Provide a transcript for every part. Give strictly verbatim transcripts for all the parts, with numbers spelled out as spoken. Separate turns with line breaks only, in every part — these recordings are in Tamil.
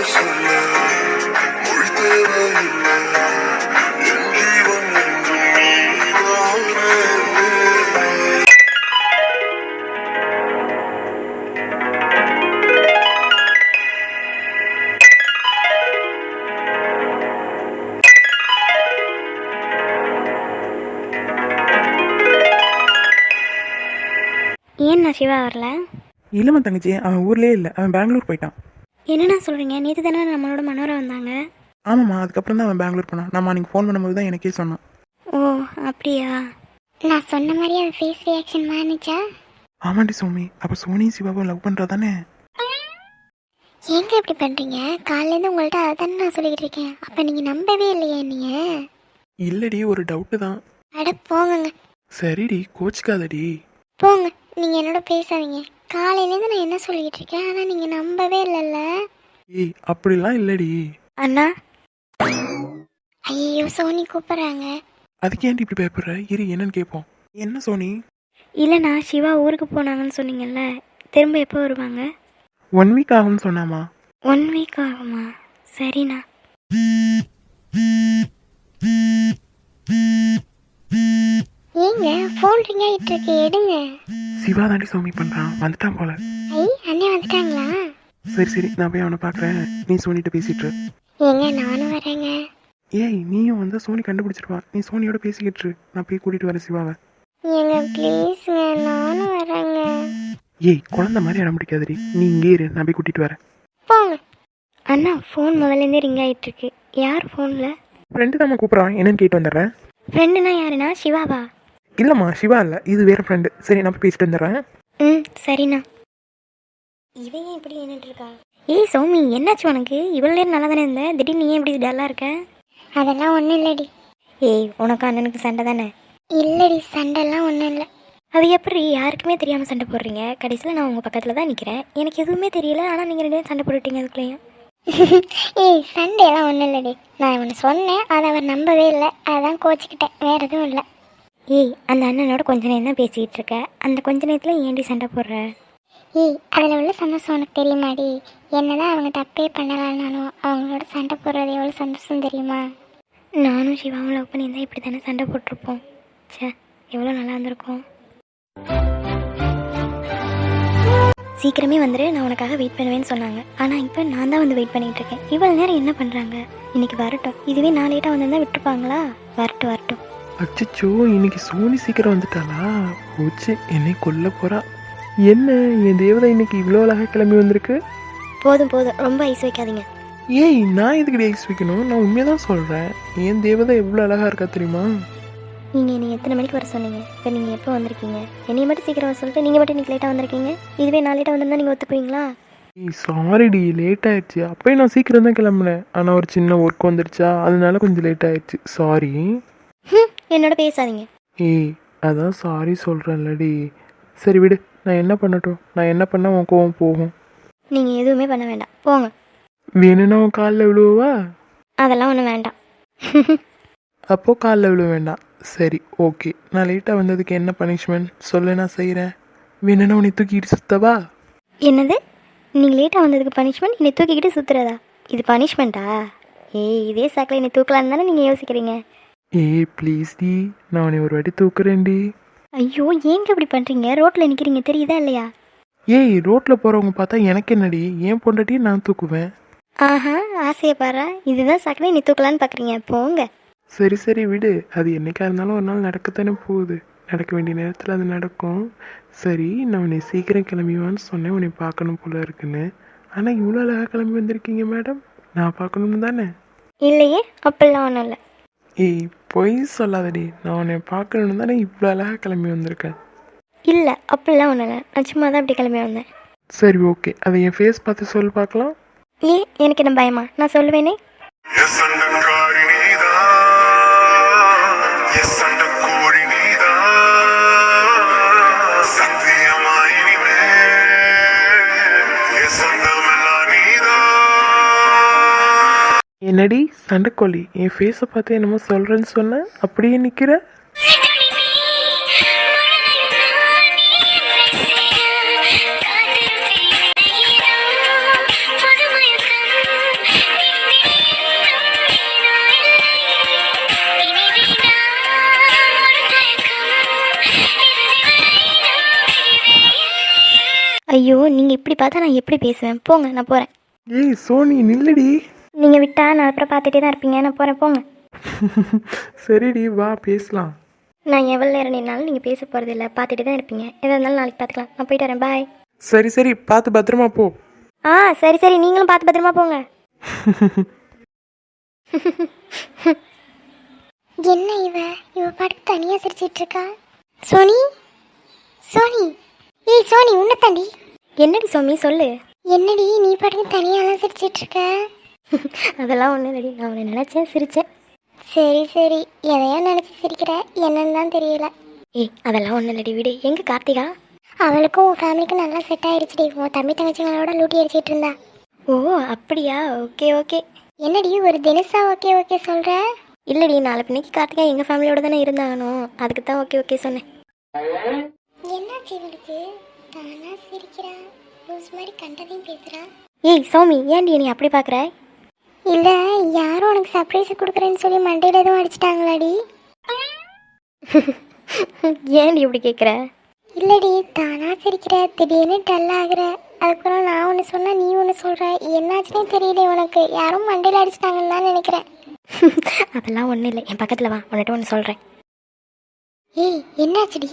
சொல்ல மொழி தேவையில்லை என் ஜீவன் என்றும் நீதானே.
ஏன் நான் சிவா வரல?
இல்லைம்மா தங்கச்சி, அவன் ஊர்லேயே இல்லை, அவன் பெங்களூர் போயிட்டான்.
என்னண்ணா சொல்கிறீங்க? நேற்று தானே நம்மளோட மனோரா வந்தாங்க.
ஆமாம்மா, அதுக்கப்புறம் தான் அவன் பெங்களூர் போனான். நான் நீங்கள் ஃபோன் பண்ணும்போது தான் எனக்கே சொன்னான்.
ஓ அப்படியா? நான் சொன்ன மாதிரி அவன் ஃபேஸ் ரியாக்ஷன் மாறிச்சா?
ஆமாண்டி சோமி, அப்போ சோனியும் சிவாவும் லவ் பண்ணுறா தானே?
ஏங்க இப்படி பண்ணுறீங்க? காலையிலேருந்து உங்கள்கிட்ட அதை தானே நான் சொல்லிக்கிட்டு இருக்கேன். அப்போ நீங்கள் நம்பவே இல்லையா? நீங்கள்
இல்லடி, ஒரு டவுட்டு தான்.
அட போங்கங்க.
சரிடி, கோச்சிக்காதடி.
போங்க, நீங்கள் என்னோட பேசாதீங்க. காலையிலேருந்து நான் என்ன சொல்லிக்கிட்டு இருக்கேன், ஆனால் நீங்கள் நம்பவே இல்லைல்ல.
ஏய், அப்படிலாம் இல்லடி.
அண்ணா, ஐயோ சோனி கூப்பிட்றாங்க.
அதுக்கு ஏன்டி இப்படி பயப்படுற? இரு, என்னன்னு கேட்போம். என்ன சோனி?
இல்லைண்ணா, சிவா ஊருக்கு போனாங்கன்னு சொன்னீங்கல்ல, திரும்ப எப்போ வருவாங்க?
ஒன் வீக் ஆகும்னு சொன்னாமா?
ஒன் வீக் ஆகுமா? சரிண்ணா. ஏங்க ஃபோன் ரிங் ஆகிட்டு இருக்கு, எடுங்க.
சிவா தாண்டி சோமி பண்ணுறான், வந்துட்டான் போல.
ஐ அண்ணே வந்துட்டாங்களா?
சரி சரி, நான் போய் அவனை பார்க்குறேன், நீ சோனிகிட்ட பேசிட்டு.
ஏங்க நானும் வரேங்க.
ஏய், நீயும் வந்து சோனி கண்டுபிடிச்சிருவா, நீ சோனியோட பேசிக்கிட்டு, நான் போய் கூட்டிகிட்டு வரேன் சிவாவை.
ஏங்க ப்ளீஸுங்க, நானும் வரேங்க.
ஏய், குழந்தை மாதிரி இடம் பிடிக்காதடி, நீ இங்கே இரு, நான் போய் கூட்டிகிட்டு வரேன்.
போங்க. அண்ணா ஃபோன் முதல்லேருந்தே ரிங் ஆகிட்டு இருக்கு. யார் ஃபோனில்?
ஃப்ரெண்டு தான் கூப்பிட்றான், என்னன்னு கேட்டு வந்துடுறேன்.
ஃப்ரெண்டுனா யாருண்ணா? சிவாவா?
இல்லைம்மா, சிவா இல்லை, இது வேறு ஃப்ரெண்டு. சரி, நான் போய் பேசிட்டு வந்துடுறேன்.
ம் சரிண்ணா. இவன் ஏன் இப்படி நின்றுட்டு இருக்கா? ஏய் சௌமி, என்னாச்சு உனக்கு? இவ்வளோ நேரம் நல்லா தானே இருந்த, திடீர்னு நீ ஏன் இப்படி டல்லாக இருக்க? அதெல்லாம் ஒன்றும் இல்லடி. ஏய், உனக்கு அண்ணனுக்கு சண்டை தானே? இல்லடி, சண்டைலாம் ஒன்றும் இல்லை. அது எப்படி யாருக்குமே தெரியாமல் சண்டை போடுறீங்க? கடைசியில் நான் உங்கள் பக்கத்தில் தான் நிற்கிறேன், எனக்கு எதுவுமே தெரியல, ஆனால் நீங்கள் ரெண்டு பேரும் சண்டை போட்டுட்டீங்க அதுக்குள்ளேயும். ஏய், சண்டையெல்லாம் ஒன்றும் இல்லடி. நான் ஒன்று சொன்னேன், அதை அவர் நம்பவே இல்லை, அதான் கோச்சிக்கிட்டேன், வேறு எதுவும் இல்லை. ஏய், அந்த அண்ணனோட கொஞ்ச நேரம் தான் பேசிக்கிட்டு இருக்க, அந்த கொஞ்ச நேரத்தில் ஏன்டி சண்டை போடுற? ஏய், அதில் உள்ள சந்தோஷம் உனக்கு தெரியுமாடி? என்னதான் அவங்க தப்பே பண்ணலான்னாலும் அவங்களோட சண்டை போடுறது எவ்வளோ சந்தோஷம் தெரியுமா? நானும் சிவாவும் லவ் பண்ணியிருந்தா இப்படி தானே சண்டை போட்டிருப்போம். சே, எவ்வளோ நல்லா இருந்திருக்கும். சீக்கிரமே வந்துடு, நான் உனக்காக வெயிட் பண்ணுவேன்னு சொன்னாங்க, ஆனால் இப்போ நான் தான் வந்து வெயிட் பண்ணிகிட்டு இருக்கேன். இவ்வளோ நேரம் என்ன பண்ணுறாங்க? இன்னைக்கு வரட்டும். இதுவே நான் லேட்டாக வந்திருந்தா விட்டுருப்பாங்களா? வரட்டும் வரட்டும்.
அச்சோ, இன்னைக்கு சோனி சீக்கிரம் வந்துட்டாளா? போச்சு, என்னை கொல்ல போறா. என்ன, என் தேவதை இன்னைக்கு இவ்வளோ அழகாக கிளம்பி வந்திருக்கு.
போதும் போதும், ரொம்ப ஐஸ் வைக்காதீங்க.
ஏய், நான் எதுக்கு ஐஸ் வைக்கணும்? நான் உண்மையாக தான் சொல்கிறேன், என் தேவதை எவ்வளோ அழகாக இருக்கா தெரியுமா?
நீங்கள் நீங்கள் எத்தனை மணிக்கு வர சொன்னீங்க? இப்போ நீங்கள் எப்போ வந்திருக்கீங்க? என்னைய மட்டும் சீக்கிரம் வர சொல்லிட்டு நீங்கள் மட்டும் இன்றைக்கி லேட்டாக வந்திருக்கீங்க. இதுவே நான் லேட்டாக வந்திருந்தா நீங்கள் ஒத்துக்குவீங்களா?
ஏய் சாரிடி, லேட் ஆயிடுச்சு. அப்போயும் நான் சீக்கிரம் தான் கிளம்புனேன், ஆனால் ஒரு சின்ன ஒர்க் வந்துருச்சா, அதனால கொஞ்சம் லேட் ஆயிடுச்சு, சாரி.
என்னோட பேசாதீங்க.
ஏய், அதான் சாரி சொல்கிறேன்லடி. சரி விடு, நான் என்ன பண்ணட்டும்? நான் என்ன பண்ணால் உன் கோவம் போகும்?
நீங்கள் எதுவுமே பண்ண வேண்டாம், போங்க.
வேணும்னா உன் காலில் விழுவா?
அதெல்லாம் ஒன்றும் வேண்டாம்.
அப்போது காலில் விழுவ வேண்டாம். சரி ஓகே, நான் லேட்டாக வந்ததுக்கு என்ன பனிஷ்மெண்ட் சொல்லு, நான் செய்கிறேன். வேணும்னா உன்னை தூக்கிட்டு சுத்தவா?
என்னது? நீங்கள் லேட்டாக வந்ததுக்கு பனிஷ்மெண்ட் என்னை தூக்கிக்கிட்டு சுற்றுறதா? இது பனிஷ்மெண்ட்டா? ஏய், இதே சாக்கில் என்னை தூக்கலான்னு தானே நீங்கள் யோசிக்கிறீங்க?
ஏய் ப்ளீஸ் டி, நான் உன்னை ஒரு வாட்டி தூக்குறேன்டி.
ஐயோ, ஏங்க இப்படி பண்ணுறீங்க? ரோட்டில் நிற்கிறீங்க, தெரியுதா இல்லையா?
ஏய், ரோட்டில் போகிறவங்க பார்த்தா எனக்கு என்னடி, ஏன் பொண்டாட்டி நான் தூக்குவேன்.
ஆஹா, ஆசையை பாரு. இதுதான் சாக்கில் என்னை தூக்கலான்னு பார்க்குறீங்க, போங்க.
சரி சரி விடு, அது என்னைக்கா இருந்தாலும் ஒரு நாள் நடக்கத்தானே போகுது, நடக்க வேண்டிய நேரத்தில் அது நடக்கும். சரி, நான் உன்னை சீக்கிரம் கிளம்பிவான்னு சொன்னேன், உன்னை பார்க்கணும் போல இருக்குன்னு. ஆனால் இவ்வளோ அழகாக கிளம்பி வந்திருக்கீங்க மேடம், நான் பார்க்கணும் தானே?
இல்லையே, அப்படிலாம் ஒன்றும் இல்லை.
ஏய் பொய் சொல்லாதடி, நான் உன்னை பார்க்கணும் தானே இவ்வளோ அழகாக கிளம்பி வந்திருக்கேன்.
இல்லை, அப்படிலாம் ஒன்றும் இல்லை, நான் சும்மா தான் அப்படி கிளம்பி வந்தேன்.
சரி ஓகே, அதை என் ஃபேஸ் பார்த்து சொல்லி பார்க்கலாம்.
ஏ, எனக்கு என்ன பயமா? நான் சொல்லுவேனே.
என்னடி சண்டைக்கோழி, என் ஃபேஸை பார்த்து என்னமோ சொல்கிறேன்னு சொன்னேன், அப்படியே நிற்கிற.
இப்படி பார்த்தா நான் எப்படி பேசுவேன்? போங்க, நான் போகிறேன்.
ஏய் சோனி நில்லுடி.
நீங்கள் விட்டா நான் அப்புறம் பார்த்துட்டே தான் இருப்பீங்க. நான் போகிறேன், போங்க.
சரிடி வா பேசலாம்.
நான் எவ்வளோ நேரம் நின்னாலும் நீங்கள் பேச போகிறது இல்லை, பார்த்துட்டு தான் இருப்பீங்க. எதாக இருந்தாலும் நாளைக்கு பார்த்துக்கலாம். நான் போயிட்டு வரேன், பாய்.
சரி சரி பார்த்து பத்திரமா போ.
ஆ சரி சரி, நீங்களும் பார்த்து பத்திரமா போங்க. என்ன இவ இவ பாட்டு தனியாக சிரிச்சிட்டு இருக்கா? சோனி, சோனி, ஏய் சோனி, உன்னை தாண்டி. என்னடி சோமி, சொல்லு. என்னடி நீ பாட்டுக்கு தனியாலாம் சிரிச்சிட்டு இருக்க? அதெல்லாம் ஒன்றும் இல்லடி, நான் உன்னை நினச்சேன், சிரித்தேன். சரி சரி, எதையா நினச்சி சிரிக்கிற, என்னன்னு தான் தெரியல. ஏய் அதெல்லாம் ஒன்றும் இல்லடி, விடு. எங்கே கார்த்திகா? அவளுக்கும் உன் ஃபேமிலிக்கும் நல்லா செட் ஆயிடுச்சுடி. உன் தம்பி தங்கச்சிங்களோட லூட்டி அடிச்சிட்டு இருந்தா. ஓ அப்படியா, ஓகே ஓகே. என்னடி ஒரு தினசா ஓகே ஓகே சொல்கிற? இல்லடி, நாளை பின்னைக்கு கார்த்திகா எங்கள் ஃபேமிலியோட தானே இருந்தாங்கனோ, அதுக்கு தான் ஓகே ஓகே சொன்னேன். என்னாச்சு இவளுக்கு? தானா சிரிக்கிறா, லூஸ் மாதிரி கண்டதையும் பேசுகிறா. ஏய் சௌமி, ஏன்டி நீ அப்படி பார்க்குற? இல்லை, யாரும் உனக்கு சர்ப்ரைஸ் கொடுக்குறேன்னு சொல்லி மண்டையில் எதுவும் அடிச்சிட்டாங்களாடி? ஏன்டி இப்படி கேட்குற? இல்லடி, தானா சிரிக்கிற, திடீர்னு டல் ஆகுற. அதுக்கப்புறம் நான் ஒன்று சொன்னால் நீ ஒன்று சொல்கிற. என்னாச்சுன்னே தெரியல உனக்கு. யாரும் மண்டையில் அடிச்சிட்டாங்கன்னு தான் நினைக்கிறேன். அதெல்லாம் ஒன்றும் இல்லை, என் பக்கத்தில் வா, உன்னிட்ட ஒன்று சொல்கிறேன். ஏய் என்னாச்சுடி?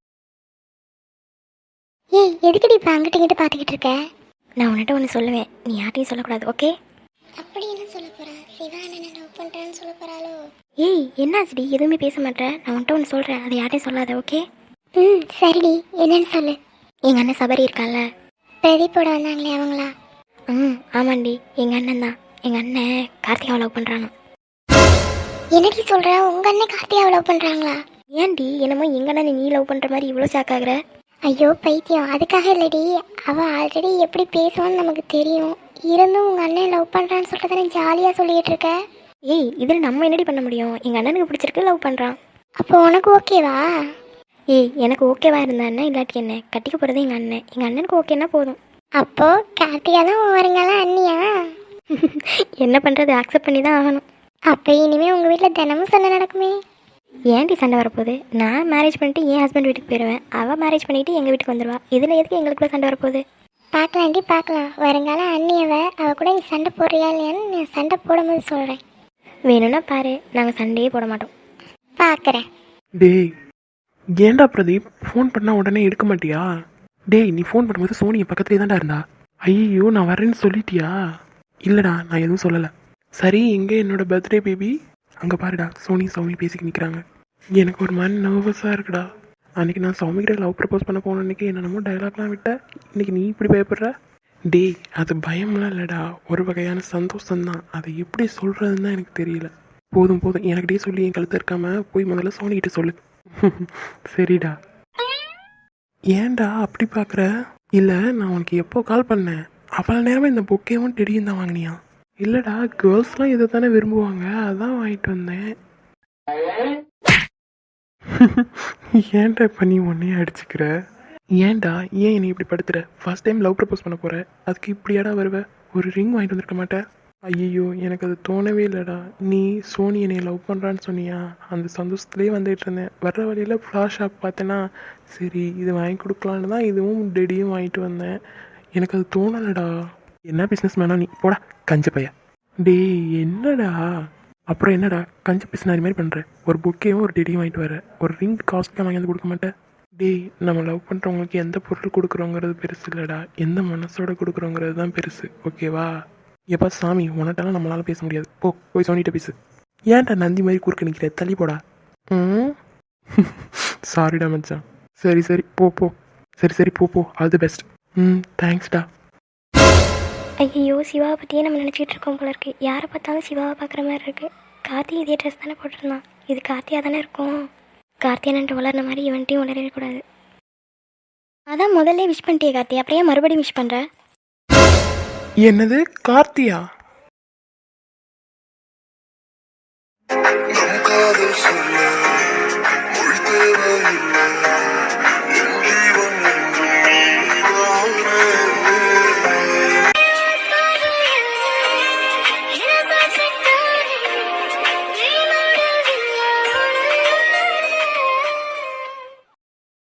ஏய் எதுக்குடி இப்போ அங்கிட்ட இங்கிட்ட பார்த்துக்கிட்டு இருக்க? நான் உன்னிட்ட ஒன்று சொல்லுவேன், நீ யார்ட்டையும் சொல்லக்கூடாது, ஓகே? அப்படி என்ன சொல்ல போறா? சிவா என்ன லவ் பண்றான்னு சொல்ல போறாளோ? ஏய் என்னாச்சுடி, எதுவுமே பேச மாட்டேன். நான் உன்கிட்ட ஒன்று சொல்கிறேன், அதை யார்ட்டையும் சொல்லாத, ஓகே? ம் சரிடி, என்னன்னு சொல்லு. எங்கள் அண்ணன் சபரி இருக்கால, பிரதீப்போட வந்தாங்களே அவங்களா? ம் ஆமாண்டி, எங்கள் அண்ணன் தான். எங்கள் அண்ணன் கார்த்திகாவை லவ் பண்ணுறானோ. என்னடி சொல்கிற? உங்கள் அண்ணன் கார்த்திகாவை லவ் பண்ணுறாங்களா? ஏன்டி என்னமோ எங்கள் அண்ணன் நீ லவ் பண்ணுற மாதிரி இவ்வளோ ஷாக் ஆகுற? ஐயோ பைத்தியம், அதுக்காக இல்லடி. அவள் ஆல்ரெடி எப்படி பேசுவான்னு நமக்கு தெரியும். இருந்தும் உங்கள் அண்ணன் லவ் பண்ணுறான்னு சொல்லிட்டு தானே ஜாலியாக சொல்லிகிட்டு இருக்க. ஏய் இதில் நம்ம என்னடி பண்ண முடியும்? எங்கள் அண்ணனுக்கு பிடிச்சிருக்கு, லவ் பண்ணுறான். அப்போ உனக்கு ஓகேவா? ஏய் எனக்கு ஓகேவா இருந்தா இல்லாட்டி என்ன, கட்டிக்க போகிறது எங்கள் அண்ணன். எங்கள் அண்ணனுக்கு ஓகேன்னா போதும். அப்போது கார்த்திகா தான் வருங்களா அண்ணியா? என்ன பண்ணுறது, அக்செப்ட் பண்ணி தான் ஆகணும். அப்போ இனிமேல் உங்கள் வீட்டில் தினமும் சண்டை நடக்குமே. ஏன்டி சண்டை வரப்போகுது? நான் மேரேஜ் பண்ணிட்டு என் ஹஸ்பண்ட் வீட்டுக்கு போயிடுவேன், அவள் மேரேஜ் பண்ணிவிட்டு எங்கள் வீட்டுக்கு வந்துடுவா. இதில் எதுக்கு எங்களுக்குள்ள சண்டை வரப்போகுது? பார்க்கலாண்டி பார்க்கலாம். வருங்கால அண்ணியவை அவள் கூட நீ சண்டை போடுறியா இல்லையான்னு நான் சண்டை போடும்போது சொல்கிறேன். வேணும்னா பாரு, நாங்கள் சண்டையே போட மாட்டோம். பார்க்குறேன்.
டேய் ஏன்டா பிரதீப் ஃபோன் பண்ணால் உடனே எடுக்க மாட்டியா? டேய் நீ ஃபோன் பண்ணும்போது சோனி என் பக்கத்துலேயே தான்டா இருந்தா. ஐயோ நான் வரேன்னு சொல்லிட்டியா? இல்லைடா நான் எதுவும் சொல்லலை. சரி எங்கே என்னோட பர்த்டே பேபி? அங்கே பாருடா, சோனி சௌமி பேசிக்க நிற்கிறாங்க. எனக்கு ஒரு மாதிரி நர்வஸாக இருக்குடா. அன்றைக்கி நான் சௌமிகிட்ட லவ் ப்ரப்போஸ் பண்ண போன அன்றைக்கி என்னென்னமோ டைலாக்லாம் விட்ட, இன்றைக்கி நீ இப்படி பயப்படுற? டேய் அது பயம்லாம் இல்லைடா, ஒரு வகையான சந்தோஷம்தான். அதை எப்படி சொல்கிறதுன்னு தான் எனக்கு தெரியல. போதும் போதும் எனக்கிட்டே சொல்லி என் கழுத்து இருக்காமல் போய் முதல்ல சோனிக்கிட்ட சொல்லு. சரிடா. ஏன்டா அப்படி பார்க்குற? இல்லை நான் உனக்கு எப்போ கால் பண்ணேன், அவ்வளோ நேரமாக இந்த பொக்கேவும் டெடியும் தான் வாங்கினியா? இல்லைடா கேர்ள்ஸ்லாம் இதை தானே விரும்புவாங்க, அதான் வாங்கிட்டு வந்தேன். ஏன்டா இப்போ நீ உன்னையே அடிச்சுக்கிற? ஏன்டா ஏன் என்னை இப்படி படுத்துற? ஃபர்ஸ்ட் டைம் லவ் ப்ரப்போஸ் பண்ண போகிற, அதுக்கு இப்படியாடா வருவ? ஒரு ரிங் வாங்கிட்டு வந்துருக்க மாட்டேன்? ஐயோ எனக்கு அது தோணவே இல்லைடா. நீ சோனி என்னை லவ் பண்ணுறான்னு சொன்னியா, அந்த சந்தோஷத்துலேயே வந்துட்டு இருந்தேன். வர்ற வழியில் ஃப்ளாஷ் ஷாப் பார்த்தேன்னா சரி இது வாங்கி கொடுக்கலான்னு தான் இதுவும் டெடியும் வாங்கிட்டு வந்தேன். எனக்கு அது தோணலடா. என்ன பிஸ்னஸ் மேனா நீ, போடா கஞ்ச பைய. டேய் என்னடா அப்புறம் என்னடா கஞ்ச பிஸ்னாரி மாதிரி பண்ணுற? ஒரு புக்கையும் ஒரு டெடியும் வாங்கிட்டு வர, ஒரு ரிங் காஸ்ட்லாம் வாங்கி வந்து கொடுக்க மாட்டேன்? டேய் நம்ம லவ் பண்ணுறவங்களுக்கு எந்த பொருள் கொடுக்குறோங்கிறது பெருசு இல்லைடா, எந்த மனசோட கொடுக்குறோங்கிறது தான் பெருசு, ஓகேவா? எப்பா சாமி உனட்டெல்லாம் நம்மளால பேச முடியாது, போ போய் சோனிகிட்ட பேசு. ஏன்டா நந்தி மாதிரி குறுக்க நிற்கிற, தள்ளி போடா. ம் சாரிடா மச்சான். சரி சரி போ போ. சரி சரி போ போ, ஆல் தி பெஸ்ட். ம் தேங்க்ஸ்டா.
ஐயோ சிவாவை பற்றியே நம்ம நினச்சிக்கிட்டு இருக்கோம் போல இருக்கு. யாரை பார்த்தாலும் சிவாவை பார்க்குற மாதிரி இருக்குது. கார்த்தி இதே ட்ரெஸ் தானே போட்டுருந்தான், இது கார்த்தியாக தானே இருக்கும். கார்த்தியானன்ட்டு வளர்ன மாதிரி இவன்ட்டையும் வளரக்கூடாது. அதான் முதல்ல விஷ் பண்ணிட்டே கார்த்தி, அப்படியே மறுபடியும் விஷ் பண்ணுற?
என்னது கார்த்தியா?